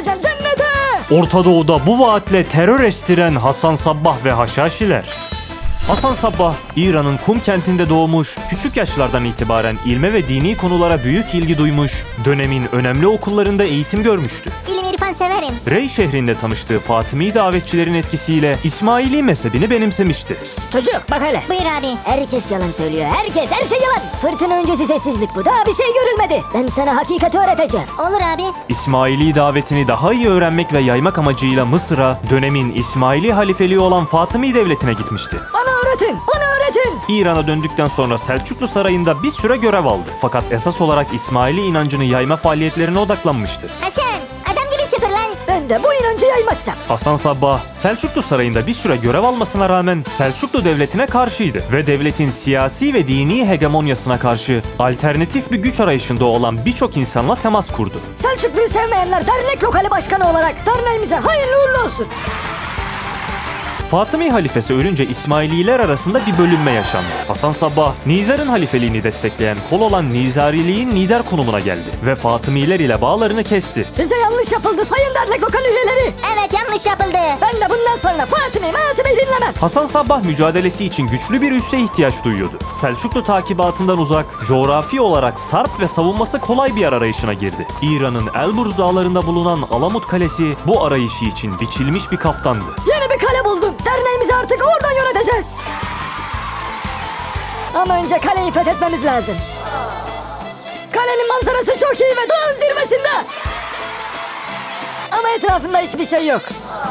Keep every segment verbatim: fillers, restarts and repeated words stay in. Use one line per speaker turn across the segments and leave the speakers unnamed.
vereceğim cennete.
Orta Doğu'da bu vaatle terör estiren Hasan Sabbah ve Haşhaşiler. Hasan Sabbah, İran'ın Kum kentinde doğmuş, küçük yaşlardan itibaren ilme ve dini konulara büyük ilgi duymuş, dönemin önemli okullarında eğitim görmüştü.
İlim irfan severim.
Rey şehrinde tanıştığı Fatimi davetçilerin etkisiyle İsmaili mezhebini benimsemişti.
Şşt, çocuk bak hele.
Buyur abi.
Herkes yalan söylüyor. Herkes, her şey yalan. Fırtına öncesi sessizlik bu. Daha bir şey görülmedi. Ben sana hakikati öğreteceğim.
Olur abi.
İsmaili davetini daha iyi öğrenmek ve yaymak amacıyla Mısır'a, dönemin İsmaili halifeliği olan Fatimi devletine gitmişti.
Bana öğretin. Bana öğretin.
İran'a döndükten sonra Selçuklu Sarayı'nda bir süre görev aldı. Fakat esas olarak İsmaili inancını yayma faaliyetlerine odaklanmıştı.
Hasan, adam gibi süpür lan.
Ben de bu inancı yaymazsam.
Hasan Sabbah, Selçuklu Sarayı'nda bir süre görev almasına rağmen Selçuklu Devleti'ne karşıydı ve devletin siyasi ve dini hegemonyasına karşı alternatif bir güç arayışında olan birçok insanla temas kurdu.
Selçuklu'yu sevmeyenler dernek lokali başkanı olarak derneğimize hayırlı uğurlu olsun.
Fatımi halifesi ölünce İsmaililer arasında bir bölünme yaşandı. Hasan Sabbah, Nizar'ın halifeliğini destekleyen kol olan Nizariliğin lider konumuna geldi ve Fatımiler ile bağlarını kesti.
Bize yanlış yapıldı sayın dernek lokal üyeleri.
Evet, yanlış yapıldı.
Ben de bundan sonra Fatimi Fatimi dinlemem.
Hasan Sabbah mücadelesi için güçlü bir üsse ihtiyaç duyuyordu. Selçuklu takibatından uzak, coğrafi olarak sarp ve savunması kolay bir yer arayışına girdi. İran'ın Elburz dağlarında bulunan Alamut Kalesi bu arayışı için biçilmiş bir kaftandı.
Yeni bir kale buldum. Derneğimizi artık oradan yöneteceğiz. Ama önce kaleyi fethetmemiz lazım. Kalenin manzarası çok iyi ve dağın zirvesinde. Ama etrafında hiçbir şey yok.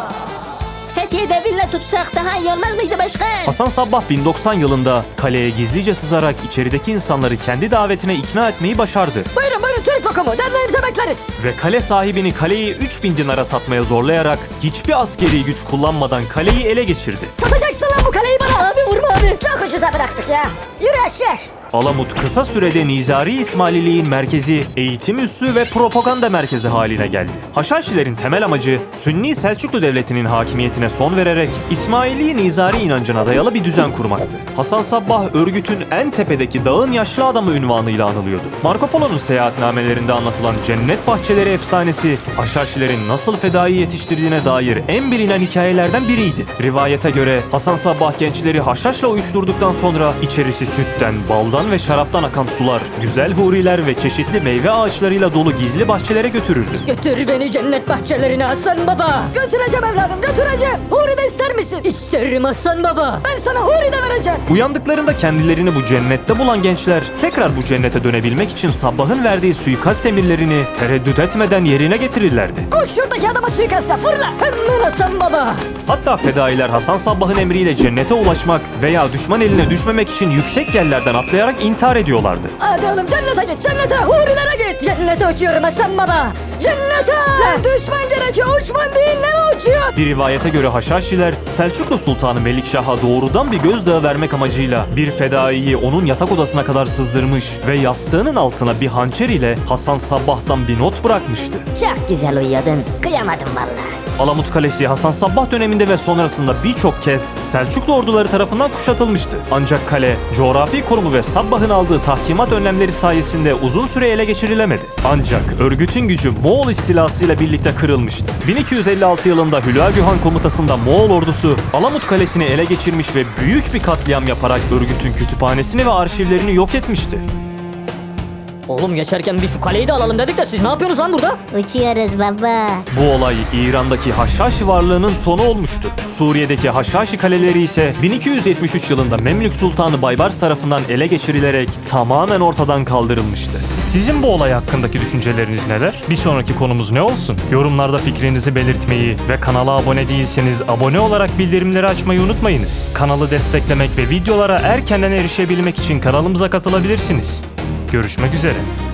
Fethiye'de villa tutsak daha iyi olmaz mıydı başkan?
Hasan Sabbah bin doksan yılında kaleye gizlice sızarak içerideki insanları kendi davetine ikna etmeyi başardı.
Buyurun buyurun Türk lokumu, derneğimize bekleriz.
Ve kale sahibini kaleyi üç bin dinara satmaya zorlayarak hiçbir askeri güç kullanmadan kaleyi ele geçirdi.
Satacaksın lan bu kaleyi bana. Abi vurma abi. Çok ucuza bıraktık ya. Yürü aşağı.
Alamut kısa sürede Nizari İsmaililiğin merkezi, eğitim üssü ve propaganda merkezi haline geldi. Haşhaşilerin temel amacı Sünni Selçuklu Devleti'nin hakimiyetine son vererek İsmaili Nizari inancına dayalı bir düzen kurmaktı. Hasan Sabbah örgütün en tepedeki dağın yaşlı adamı unvanıyla anılıyordu. Marco Polo'nun seyahatnamelerinde anlatılan cennet bahçeleri efsanesi Haşhaşilerin nasıl fedai yetiştirdiğine dair en bilinen hikayelerden biriydi. Rivayete göre Hasan Sabbah gençleri haşhaşla uyuşturduktan sonra içerisi sütten, baldan ve şaraptan akan sular, güzel huriler ve çeşitli meyve ağaçlarıyla dolu gizli bahçelere götürürdü.
Götür beni cennet bahçelerine Hasan Baba. Götüreceğim evladım, götüreceğim. Huri de ister misin? İsterim Hasan Baba. Ben sana huri de vereceğim.
Uyandıklarında kendilerini bu cennette bulan gençler tekrar bu cennete dönebilmek için Sabbah'ın verdiği suikast emirlerini tereddüt etmeden yerine getirirlerdi.
Koş şuradaki adama suikasta fırla. Hemen Hasan Baba.
Hatta fedailer Hasan Sabbah'ın emriyle cennete ulaşmak veya düşman eline düşmemek için yüksek yerlerden atlayarak intihar ediyorlardı.
Hadi oğlum cennete git, cennete, hurilere git. Cennete uçuyorum Hasan Baba. Cennete. Lan düşman gerekiyor, uçman değil, ne uçuyor?
Bir rivayete göre Haşhaşiler Selçuklu Sultanı Melikşah'a doğrudan bir gözdağı vermek amacıyla bir fedaiyi onun yatak odasına kadar sızdırmış ve yastığının altına bir hançer ile Hasan Sabbah'tan bir not bırakmıştı.
Çok güzel uyuyordun. Kıyamadım vallahi.
Alamut Kalesi Hasan Sabbah döneminde ve sonrasında birçok kez Selçuklu orduları tarafından kuşatılmıştı. Ancak kale, coğrafi konumu ve Sabbah'ın aldığı tahkimat önlemleri sayesinde uzun süre ele geçirilemedi. Ancak örgütün gücü Moğol istilasıyla birlikte kırılmıştı. bin iki yüz elli altı yılında Hülagü Han komutasında Moğol ordusu Alamut Kalesi'ni ele geçirmiş ve büyük bir katliam yaparak örgütün kütüphanesini ve arşivlerini yok etmişti.
Oğlum geçerken bir şu kaleyi de alalım dedik de siz ne yapıyorsunuz lan burada?
Uçuyoruz baba.
Bu olay İran'daki Haşhaşi varlığının sonu olmuştu. Suriye'deki Haşhaşi kaleleri ise bin iki yüz yetmiş üç yılında Memlük Sultanı Baybars tarafından ele geçirilerek tamamen ortadan kaldırılmıştı. Sizin bu olay hakkındaki düşünceleriniz neler? Bir sonraki konumuz ne olsun? Yorumlarda fikrinizi belirtmeyi ve kanala abone değilseniz abone olarak bildirimleri açmayı unutmayınız. Kanalı desteklemek ve videolara erkenden erişebilmek için kanalımıza katılabilirsiniz. Görüşmek üzere.